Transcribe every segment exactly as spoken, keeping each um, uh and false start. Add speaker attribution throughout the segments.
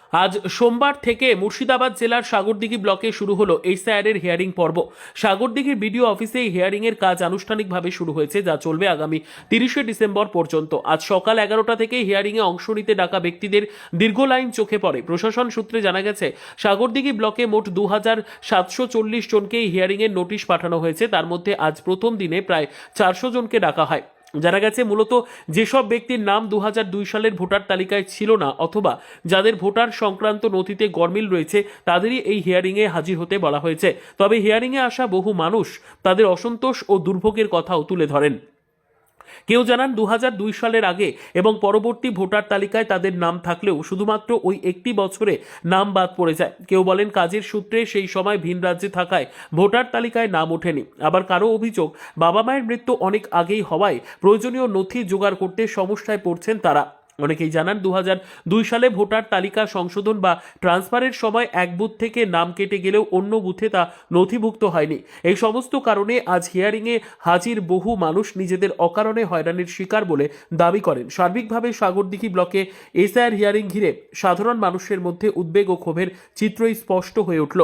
Speaker 1: আজ সোমবার থেকে মুর্শিদাবাদ জেলার সাগরদিঘি ব্লকে শুরু হলো এসআইআর হিয়ারিং পর্ব। সাগরদিঘির বিডিও অফিসে এই হিয়ারিং এর কাজ আনুষ্ঠানিকভাবে শুরু হয়েছে, যা চলবে আগামী তিরিশে ডিসেম্বর পর্যন্ত। আজ সকাল এগারোটা থেকে হিয়ারিং এ অংশ নিতে ডাকা ব্যক্তিদের দীর্ঘ লাইন চোখে পড়ে। প্রশাসন সূত্রে জানা গেছে, সাগরদিঘি ব্লকে মোট দু হাজার সাতশো চল্লিশ জনকে এই হিয়ারিং এর নোটিশ পাঠানো হয়েছে। তার মধ্যে আজ প্রথম দিনে প্রায় চারশো জনকে ডাকা হয়। জানা গেছে, মূলত যেসব ব্যক্তির নাম দু হাজার দুই সালের ভোটার তালিকায় ছিল না অথবা যাদের ভোটার সংক্রান্ত নথিতে গরমিল রয়েছে, তাদেরই এই হিয়ারিংয়ে হাজির হতে বলা হয়েছে। তবে হিয়ারিংয়ে আসা বহু মানুষ তাদের অসন্তোষ ও দুর্ভোগের কথাও তুলে ধরেন। কেউ জানান দু হাজার দুই সালের আগে এবং পরবর্তী ভোটার তালিকায় তাদের নাম থাকলেও শুধুমাত্র ওই একটি বছরে নাম বাদ পড়ে যায়। কেউ বলেন কাজের সূত্রে সেই সময় ভিন রাজ্যে থাকায় ভোটার তালিকায় নাম ওঠেনি। আবার কারো অভিযোগ, বাবা মায়ের মৃত্যু অনেক আগেই হওয়ায় প্রয়োজনীয় নথি জোগাড় করতে সমস্যায় পড়ছেন তারা। অনেকেই জানান দু হাজার দুই সালে ভোটার তালিকা সংশোধন বা ট্রান্সফারের সময় এক বুথ থেকে নাম কেটে গেলেও অন্য বুথে তা নথিভুক্ত হয়নি। এই সমস্ত কারণে আজ হিয়ারিংয়ে হাজির বহু মানুষ নিজেদের অকারণে হয়রানির শিকার বলে দাবি করেন। সার্বিকভাবে সাগরদিঘি ব্লকে এসআইআর হিয়ারিং ঘিরে সাধারণ মানুষের মধ্যে উদ্বেগ ও ক্ষোভের চিত্রই স্পষ্ট হয়ে উঠল।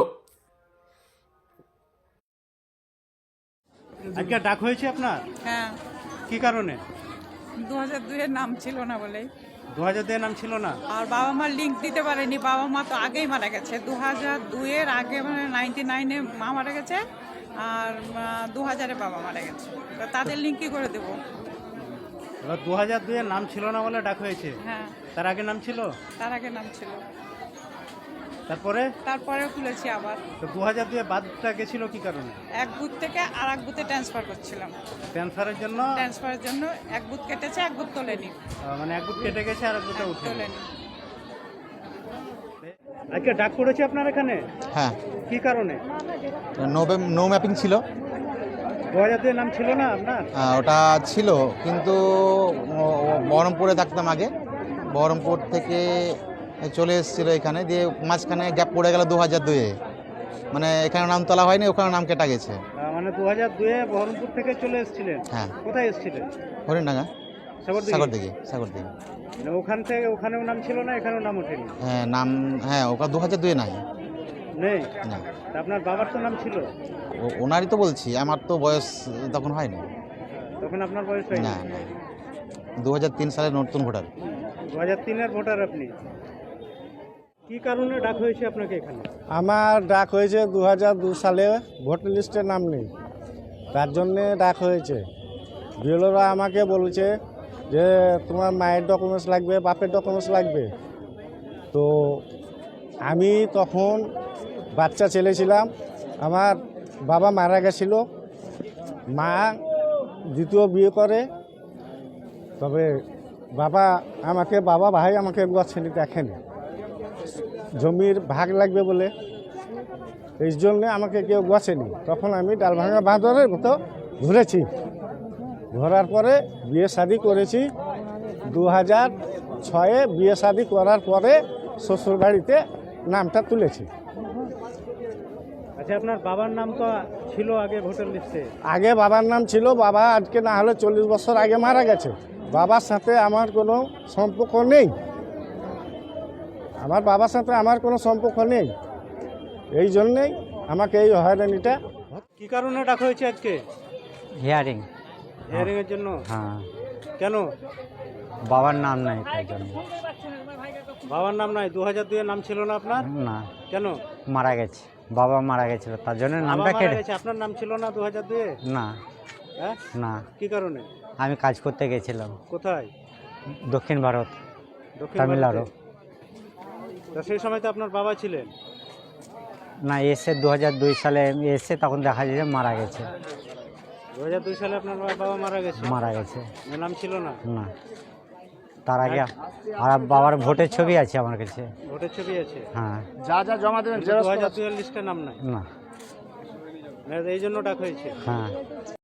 Speaker 2: আজকে ডাক হয়েছে আপনার?
Speaker 3: হ্যাঁ,
Speaker 2: কি কারণে?
Speaker 3: দু হাজার দুই এর নাম ছিল না বলেই।
Speaker 2: দু হাজার দুই নাম ছিল না?
Speaker 3: আর বাবা মার লিঙ্ক দিতে পারেনি। বাবা মা তো আগেই মারা গেছে, দু হাজার দুই এর আগে, মানে নাইনটি নাইনে মা মারা গেছে আর দু হাজারে বাবা মারা গেছে। তো তাদের লিঙ্ক কি করে দেবো?
Speaker 2: এবার দু হাজার দুই এর নাম ছিল না বলে ডাক হয়েছে।
Speaker 3: হ্যাঁ,
Speaker 2: তার আগে নাম ছিল?
Speaker 3: তার আগে নাম ছিল,
Speaker 2: তারপরে
Speaker 3: তারপরেও খুলেছি আবার।
Speaker 2: তো দু হাজার দুই এ বাদটা গেছিল কি কারণে?
Speaker 3: এক বুথ থেকে আর এক বুথে ট্রান্সফার করছিলাম।
Speaker 2: ট্রান্সফারের জন্য?
Speaker 3: ট্রান্সফারের জন্য এক বুথ কেটেছে, এক বুথ তোলেনি।
Speaker 2: আহ, মানে এক বুথ কেটে গেছে আর এক বুথে উঠে
Speaker 3: তোলেনি।
Speaker 2: আজকে ডাক করেছে আপনার এখানে?
Speaker 4: হ্যাঁ,
Speaker 2: কি কারণে?
Speaker 4: নো নো ম্যাপিং ছিল।
Speaker 2: দু হাজার দুই এর নাম ছিল না আপনার?
Speaker 4: আহ, ওটা ছিল, কিন্তু ও- ও বহরমপুরে থাকতাম আগে। বহরমপুর থেকে চলে এসেছিলো এখানে, দিয়ে মাঝখানে গ্যাপ পড়ে গেল দু হাজার দুয়ে। মানে এখানে নাম তোলা হয়নি, ওখানে নাম কেটে গেছে।
Speaker 2: আহ, মানে দু হাজার দুই এ বহরমপুর থেকে চলে এসেছিলেন?
Speaker 4: হ্যাঁ।
Speaker 2: কোথায় এসেছিলেন?
Speaker 4: হরিণডাঙ্গা,
Speaker 2: সাগরদিঘি?
Speaker 4: সাগরদিঘি সাগরদিঘি
Speaker 2: মানে ওখান থেকে ওখানেও নাম ছিল না, এখানেও নাম ওঠেনি?
Speaker 4: হ্যাঁ, নাম, হ্যাঁ, ওটা দু হাজার দুয়ে নাই।
Speaker 2: নেই?
Speaker 4: না,
Speaker 2: তা আপনার বাবার তো নাম ছিল?
Speaker 4: ও- ওনারই তো বলছি, আমার তো বয়স তখন হয়নি।
Speaker 2: তখন আপনার বয়স হয়নি?
Speaker 4: না না, দু হাজার তিন সালের নতুন ভোটার।
Speaker 2: দু হাজার তিনের ভোটার আপনি। কি কারণে ডাক হয়েছে আপনাকে এখানে?
Speaker 5: আমার ডাক হয়েছে দু হাজার দু সালে ভোটার লিস্টে নাম নেই, তার জন্যে ডাক হয়েছে। বিএলওরা আমাকে বলেছে যে তোমার মায়ের ডকুমেন্টস লাগবে, বাপের ডকুমেন্টস লাগবে। তো আমি তখন বাচ্চা ছেলে ছিলাম, আমার বাবা মারা গেছিল, মা দ্বিতীয় বিয়ে করে। তবে বাবা আমাকে বাবা ভাই আমাকে একবার ছেলে দেখেনি, জমির ভাগ লাগবে বলে, এই জন্যে আমাকে কেউ গোছেনি। তখন আমি ডালভাঙা বাঁধরের মতো ঘুরেছি, ঘোরার পরে বিয়ে শাদি করেছি। দু হাজার ছয়ে বিয়ে শাদি করার পরে শ্বশুর বাড়িতে নামটা তুলেছি।
Speaker 2: আচ্ছা, আপনার বাবার নাম তো ছিল আগে ভোটার লিস্টে?
Speaker 5: আগে বাবার নাম ছিল, বাবা আজকে না হলে চল্লিশ বছর আগে মারা গেছে। বাবার সাথে আমার কোনো সম্পর্ক নেই, আমার বাবার সাথে আমার কোনো সম্পর্ক নেই। এই জন্যেই আমাকে এই হয়রানিটা।
Speaker 2: কি কারণে ডাক হয়েছে আজকে?
Speaker 6: হিয়ারিং।
Speaker 2: হিয়ারিং এর জন্য?
Speaker 6: হ্যাঁ,
Speaker 2: কেন?
Speaker 6: বাবার নাম নাই তার জন্য।
Speaker 2: বাবার নাম নাই? দু হাজার দুই এর নাম ছিল না আপনার?
Speaker 6: না,
Speaker 2: কেন?
Speaker 6: মারা গেছে, বাবা মারা গেছিল, তার জন্য
Speaker 2: বাবা
Speaker 6: নামটা
Speaker 2: মারা
Speaker 6: কেটে।
Speaker 2: গেছে, আপনার নাম ছিল না দু হাজার দুই এ?
Speaker 6: না
Speaker 2: হ্যাঁ,
Speaker 6: না,
Speaker 2: কি কারণে?
Speaker 6: আমি কাজ করতে গেছিলাম
Speaker 2: কোথায়?
Speaker 6: দক্ষিণ ভারত,
Speaker 2: দক্ষিণ
Speaker 6: তামিলনাড়ু।
Speaker 2: ভারতে? তো সেই সময় তো আপনার বাবা ছিলেন?
Speaker 6: না, এসে দু হাজার দুই সালে এসে তখন দেখা যায় যে মারা গেছে।
Speaker 2: দু হাজার দুই সালে আপনার বাবা মারা গেছে?
Speaker 6: মারা গেছে,
Speaker 2: ওর নাম ছিল না?
Speaker 6: না, তার আগে। আর বাবার ভোটের ছবি আছে আমার কাছে।
Speaker 2: ভোটের ছবি আছে?
Speaker 6: হ্যাঁ।
Speaker 5: যা যা জমা দেবেন
Speaker 2: দু হাজার দুই এর লিস্টে নাম নাই?
Speaker 6: না।
Speaker 2: না, এই জন্য ডাক হয়েছে?
Speaker 6: হ্যাঁ।